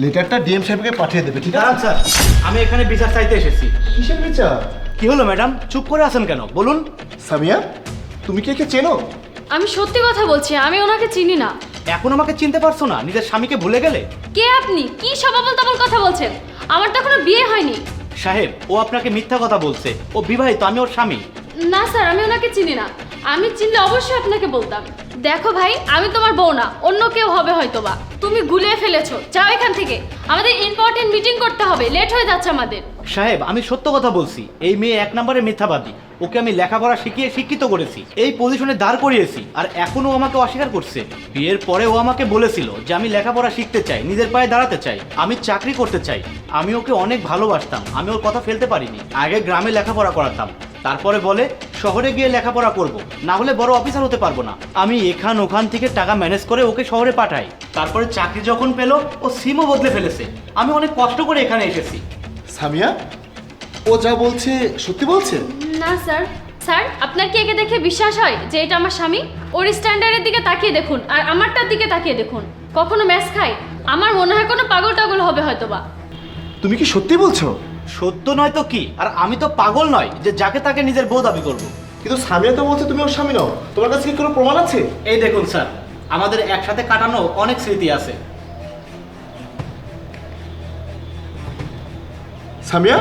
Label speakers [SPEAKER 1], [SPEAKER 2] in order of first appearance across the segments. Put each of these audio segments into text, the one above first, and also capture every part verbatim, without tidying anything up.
[SPEAKER 1] লেটারটা ডিএম সাহেবকে পাঠিয়ে দেবে, ঠিক
[SPEAKER 2] দাঁড়ান
[SPEAKER 1] আছে?
[SPEAKER 2] স্যার, আমি এখানে বিচার চাইতে এসেছি।
[SPEAKER 1] কিসের বিচার?
[SPEAKER 2] কি হলো ম্যাডাম, চুপ করে আছেন কেন বলুন?
[SPEAKER 1] সামিয়া, তুমি কি একে চেনো?
[SPEAKER 3] আমি সত্যি কথা বলছি, আমি ওনাকে চিনি না।
[SPEAKER 2] এখন আমাকে চিনতে পারছো না? নিজের স্বামীকে ভুলে গেলে?
[SPEAKER 3] কে আপনি? কি সব আবল তাবল কথা বলছেন? আমার তো এখনো বিয়ে হয়নি।
[SPEAKER 2] সাহেব, ও আপনাকে মিথ্যা কথা বলছে। ও বিবাহিত, আমি ওর স্বামী।
[SPEAKER 3] না স্যার, আমি ওনাকে চিনি না। আমি চিনলে অবশ্যই আপনাকে বলতাম। দেখো ভাই, আমি তোমার বউ না, অন্য কেউ হবে হয়তোবা। তুমি গুলিয়ে ফেলেছো, যাও এখান থেকে। আমাদের ইম্পর্টেন্ট মিটিং করতে হবে, লেট হয়ে যাচ্ছে আমাদের।
[SPEAKER 2] সাহেব, আমি সত্য কথা বলছি। এই মেয়ে এক নম্বরে মিথ্যাবাদী। ওকে আমি লেখাপড়া শিখিয়ে শিক্ষিত করেছি, এই পজিশনে দাঁড় করিয়েছি, আর এখনো আমাকে অস্বীকার করছে। বিয়ের পরে ও আমাকে বলেছিল যে আমি লেখাপড়া শিখতে চাই, নিজের পায়ে দাঁড়াতে চাই, আমি চাকরি করতে চাই। আমি ওকে অনেক ভালোবাসতাম, আমি ওর কথা ফেলতে পারিনি। আগে গ্রামে লেখাপড়া করাতাম, তারপরে বলে শহরে গিয়ে লেখাপড়া করব, না হলে বড় অফিসার হতে পারবো না। আমি এখান ওখান থেকে টাকা ম্যানেজ করে ওকে শহরে পাঠাই। তারপরে চাকরি যখন পেলো, ও সিমও বদলে ফেলেছে। আমি অনেক কষ্ট করে এখানে এসেছি।
[SPEAKER 1] সামিয়া, ও যা বলছে সত্যি বলছে?
[SPEAKER 3] না স্যার। স্যার, আপনার কি একে দেখে বিশ্বাস হয় যে এটা আমার স্বামী? ওর স্ট্যান্ডার্ডের দিকে তাকিয়ে দেখুন, আর আমারটার দিকে তাকিয়ে দেখুন। কখনো ম্যাচ খায়? আমার মনে হয় কোনো পাগল টাগল হবে হয়তোবা।
[SPEAKER 1] তুমি কি সত্যি বলছো?
[SPEAKER 2] সত্য নয় তো কি? আর আমি তো পাগল নয় যে যাকে তাকে নিজের বউ দাবি করবো।
[SPEAKER 1] কিন্তু সামিয়া তো বলছে তুমি ওর স্বামী নও। তোমার কাছে কি কোনো প্রমাণ আছে?
[SPEAKER 2] এই দেখুন স্যার, আমাদের একসাথে কাটানো অনেক স্মৃতি আছে।
[SPEAKER 1] সামিয়া,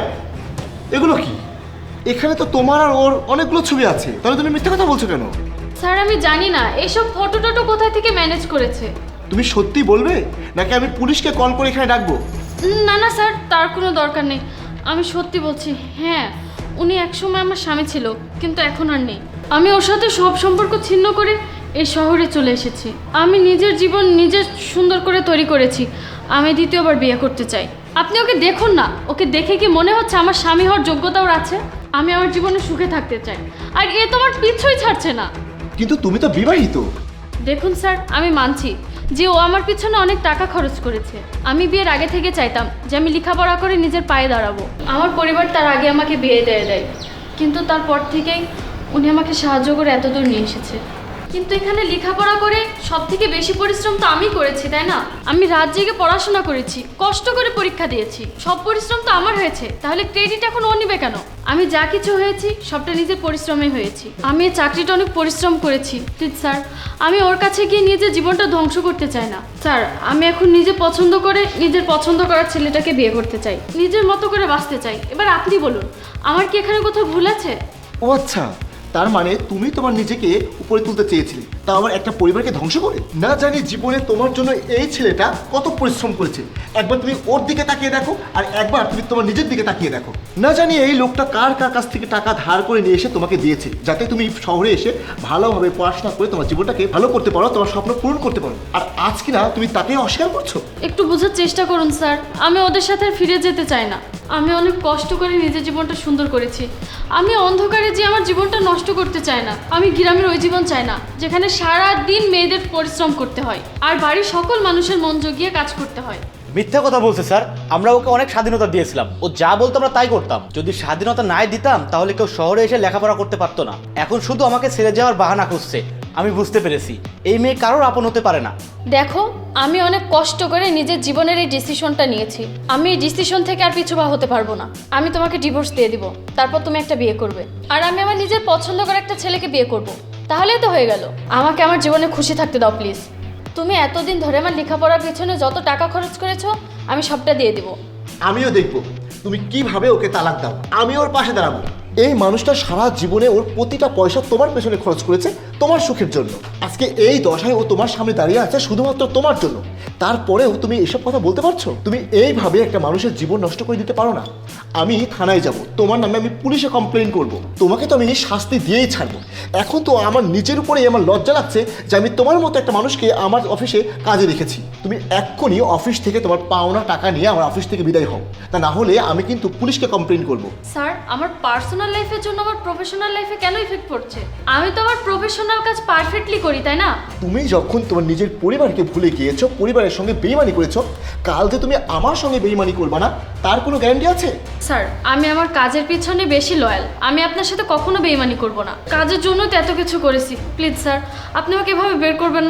[SPEAKER 1] এগুলো কি? এখানে তো তোমার আর ওর অনেকগুলো ছবি আছে, তাহলে তুমি মিথ্যা কথা বলছো কেন?
[SPEAKER 3] স্যার, আমি জানি না এসব ফটো টটো কোথায় থেকে ম্যানেজ করেছে।
[SPEAKER 1] তুমি সত্যি বলবে নাকি আমি পুলিশকে কল করে এখানে ডাকবো?
[SPEAKER 3] না না স্যার, তার কোনো দরকার নেই। আমি সত্যি বলছি। হ্যাঁ, উনি একসময় আমার স্বামী ছিল, কিন্তু এখন আর নেই। আমি ওর সাথে সব সম্পর্ক ছিন্ন করে এই শহরে চলে এসেছি। আমি নিজের জীবন নিজে সুন্দর করে তৈরি করেছি। আমি দ্বিতীয়বার বিয়ে করতে চাই। আপনি ওকে দেখুন না, ওকে দেখে কি মনে হচ্ছে আমার স্বামী হওয়ার যোগ্যতা ওর আছে? আমি আমার জীবনে সুখে থাকতে চাই, আর এ তো আমার পিছুই ছাড়ছে না।
[SPEAKER 1] কিন্তু তুমি তো বিবাহিত।
[SPEAKER 3] দেখুন স্যার, আমি মানছি যে ও আমার পিছনে অনেক টাকা খরচ করেছে। আমি বিয়ের আগে থেকে চাইতাম যে আমি লেখাপড়া করে নিজের পায়ে দাঁড়াবো। আমার পরিবার তার আগে আমাকে বিয়ে দিয়ে দেয়, কিন্তু তারপর থেকেই উনি আমাকে সাহায্য করে এতদূর নিয়ে এসেছে। কিন্তু এখানে লেখাপড়া করে সব থেকে বেশি পরিশ্রম তো আমি করেছি, তাই না? আমি রাত জেগে পড়াশোনা করেছি, কষ্ট করে পরীক্ষা দিয়েছি, সব পরিশ্রম তো আমার হয়েছে। তাহলে ক্রেডিট এখন ও নিবে কেন? আমি যা কিছু হয়েছি সবটা নিজের পরিশ্রমে হয়েছি। আমি এই চাকরিটা অনেক পরিশ্রম করেছি। প্লিজ স্যার, আমি ওর কাছে গিয়ে নিজের জীবনটা ধ্বংস করতে চাই না। স্যার, আমি এখন নিজে পছন্দ করে নিজের পছন্দ করার ছেলেটাকে বিয়ে করতে চাই, নিজের মতো করে বাঁচতে চাই। এবার আপনি বলুন, আমার কি এখানে কোথাও ভুল আছে?
[SPEAKER 1] ও আচ্ছা, তার মানে তুমি তোমার নিজেকে উপরে তুলতে চেয়েছিলে, তা আবার একটা পরিবারকে ধ্বংস করে? না জানি জীবনে তোমার জন্য এই ছেলেটা কত পরিশ্রম করেছে। একবার তুমি ওর দিকে তাকিয়ে দেখো, আর একবার তুমি তোমার নিজের দিকে তাকিয়ে দেখো। না জানি এই লোকটা কার কার কাছ থেকে টাকা ধার করে নিয়ে এসে তোমাকে দিয়েছে, যাতে তুমি শহরে এসে ভালোভাবে পড়াশোনা করে তোমার জীবনটাকে ভালো করতে পারো, তোমার স্বপ্ন পূরণ করতে পারো। আর আজ কিনা তুমি তাকে অস্বীকার করছো।
[SPEAKER 3] একটু বোঝার চেষ্টা করুন স্যার, আমি ওদের সাথে আর ফিরে যেতে চাই না। আমি অনেক কষ্ট করে নিজের জীবনটা সুন্দর করেছি। আমি অন্ধকারে যে আমার জীবনটা নষ্ট করতে চাই না। আমি গ্রামের ওই জীবন চাই না, যেখানে সারা দিন মেয়েদের পরিশ্রম করতে হয় আর বাড়ির সকল মানুষের মন জগিয়ে কাজ করতে হয়।
[SPEAKER 2] মিথ্যা কথা বলছে স্যার। আমরা ওকে অনেক স্বাধীনতা দিয়েছিলাম, ও যা বলতো আমরা তাই করতাম। যদি স্বাধীনতা নাই দিতাম তাহলে কেউ শহরে এসে লেখাপড়া করতে পারতো না। এখন শুধু আমাকে ছেড়ে যাওয়ার বাহানা খুঁজছে। আমি বুঝতে পেরেছি এই মেয়ে কারোর আপন হতে পারে না।
[SPEAKER 3] দেখো, আমি অনেক কষ্ট করে নিজের জীবনের এই ডিসিশনটা নিয়েছি। আমি এই ডিসিশন থেকে আর পিছু পা হতে পারবো না। আমি তোমাকে ডিভোর্স দিয়ে দিব, তারপর তুমি একটা বিয়ে করবে, আর আমি আমার নিজের পছন্দ করা একটা ছেলেকে বিয়ে করব। তাহলেই তো হয়ে গেল। আমাকে আমার জীবনে খুশি থাকতে দাও প্লিজ। তুমি এতদিন ধরে আমার লেখাপড়ার পিছনে যত টাকা খরচ করেছো আমি সবটা দিয়ে দিব।
[SPEAKER 1] আমিও দেখবো তুমি কিভাবে ওকে তালাক দাও। আমি ওর পাশে দাঁড়াবো। এই মানুষটা সারা জীবনে ওর প্রতিটা পয়সা তোমার পেছনে খরচ করেছে তোমার সুখের জন্য। আজকে এই দশায় ও তোমার সামনে দাঁড়িয়ে আছে শুধুমাত্র তোমার জন্য। তারপরেও তুমি এসব কথা বলতে পারছো? তুমি এইভাবে একটা মানুষের জীবন নষ্ট করে দিতে পারো না। আমি থানায় যাব, তোমার নামে আমি পুলিশে কমপ্লেন করব। তোমাকে তো আমি শাস্তি দিয়েই ছাড়বো। এখন তো আমার নিজের উপরেই আমার লজ্জা লাগছে যে আমি তোমার মতো একটা মানুষকে আমার অফিসে কাজে রেখেছি। তুমি এক্ষুনি অফিস থেকে তোমার পাওনা টাকা নিয়ে আমার অফিস থেকে বিদায় হও, তা না হলে আমি কিন্তু পুলিশকে কমপ্লেন করব।
[SPEAKER 3] স্যার, আমার পার্সোনাল লাইফের জন্য আমার প্রফেশনাল লাইফে কেন ইফেক্ট পড়ছে? আমি তো আমার প্রফেশনাল কাজ পারফেক্টলি করি, তাই না?
[SPEAKER 1] তুমি যখন তোমার নিজের পরিবারকে ভুলে গিয়েছো, পরিবারের সঙ্গে বেইমানি করেছো, কাল যে তুমি আমার সঙ্গে বেইমানি করবে না তার কোনো গ্যারান্টি আছে?
[SPEAKER 3] স্যার, আমি আমার কাজের পিছনে বেশি লয়াল। আমি আপনার সাথে কখনো বেইমানি করব না। কাজের জন্য তো এত কিছু করেছি। প্লিজ স্যার, আপনি আমাকে এভাবে বের করবেন না।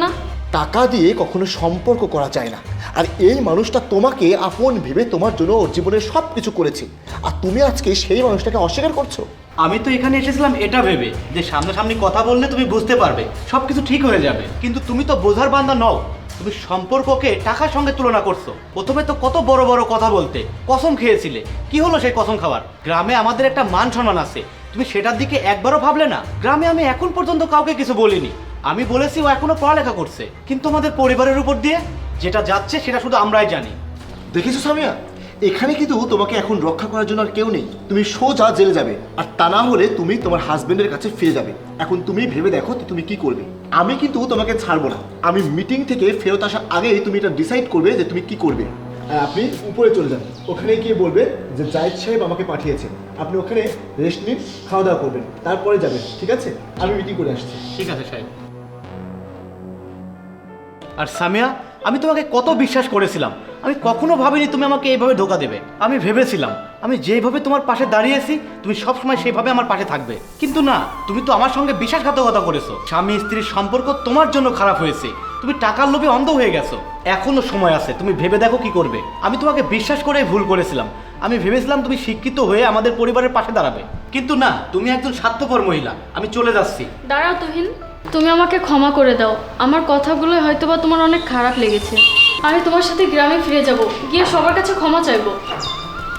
[SPEAKER 1] টাকা দিয়ে কখনো সম্পর্ক করা যায় না। আর এই মানুষটা তোমাকে আপন ভেবে তোমার জন্য ওর জীবনের সব কিছু করেছে, আর তুমি আজকে সেই মানুষটাকে অস্বীকার করছো।
[SPEAKER 2] আমি তো এখানে এসেছিলাম এটা ভেবে যে সামনাসামনি কথা বললে তুমি বুঝতে পারবে, সব কিছু ঠিক হয়ে যাবে। কিন্তু তুমি তো বোঝার বান্দা নও, তুমি সম্পর্ককে টাকার সঙ্গে তুলনা করছো। প্রথমে তো কত বড় বড় কথা বলতে, কসম খেয়েছিলে, কি হলো সেই কসম খাবার? গ্রামে আমাদের একটা মান সম্মান আছে, তুমি সেটার দিকে একবারও ভাবলে না। গ্রামে আমি এখন পর্যন্ত কাউকে কিছু বলিনি, আমি বলেছি ও এখনো পড়ালেখা করছে, কিন্তু আমাদের পরিবারের উপর দিয়ে যেটা যাচ্ছে সেটা শুধু আমরাই জানি।
[SPEAKER 1] দেখেছো সামিয়া, এখানে কিন্তু তোমাকে এখন রক্ষা করার জন্য আর কেউ নেই। তুমি সোজা জেলে যাবে, আর তা না হলে তুমি তোমার হাজবেন্ডের কাছে ফিরে যাবে। এখন তুমি ভেবে দেখো যে তুমি কি করবে। আমি কিন্তু তোমাকে ছাড়বো না, আমি মিটিং থেকে ফেরত আসার আগেই তুমি এটা ডিসাইড করবে যে তুমি কি করবে। আর আপনি উপরে চলে যান, ওখানে গিয়ে বলবে যে জাহিদ সাহেব আমাকে পাঠিয়েছে, আপনি ওখানে রেস্ট নিন, খাওয়া দাওয়া করবেন, তারপরে যাবেন, ঠিক আছে? আমি মিটিং করে আসছি।
[SPEAKER 2] ঠিক আছে সাহেব। আর সামিয়া, আমি তোমাকে কত বিশ্বাস করেছিলাম, আমি কখনো ভাবিনি তুমি আমাকে এইভাবে ধোকা দেবে। আমি ভেবেছিলাম আমি যেভাবে তোমার পাশে দাঁড়িয়েছি তুমি সবসময় সেভাবে আমার পাশে থাকবে, কিন্তু না, তুমি তো আমার সঙ্গে বিশ্বাসঘাতকতা করেছো। স্বামী স্ত্রীর সম্পর্ক তোমার জন্য খারাপ হয়েছে, তুমি টাকার লোভে অন্ধ হয়ে গেছো। এখনো সময় আছে, তুমি ভেবে দেখো কি করবে। আমি তোমাকে বিশ্বাস করেই ভুল করেছিলাম, আমি ভেবেছিলাম তুমি শিক্ষিত হয়ে আমাদের পরিবারের পাশে দাঁড়াবে, কিন্তু না, তুমি একজন স্বার্থপর মহিলা। আমি চলে যাচ্ছি।
[SPEAKER 3] দাঁড়াও তুহিন, তুমি আমাকে ক্ষমা করে দাও। আমার কথাগুলো হয়তোবা তোমার অনেক খারাপ লেগেছে। আমি তোমার সাথে গ্রামে ফিরে যাব, গিয়ে সবার কাছে ক্ষমা চাইবো।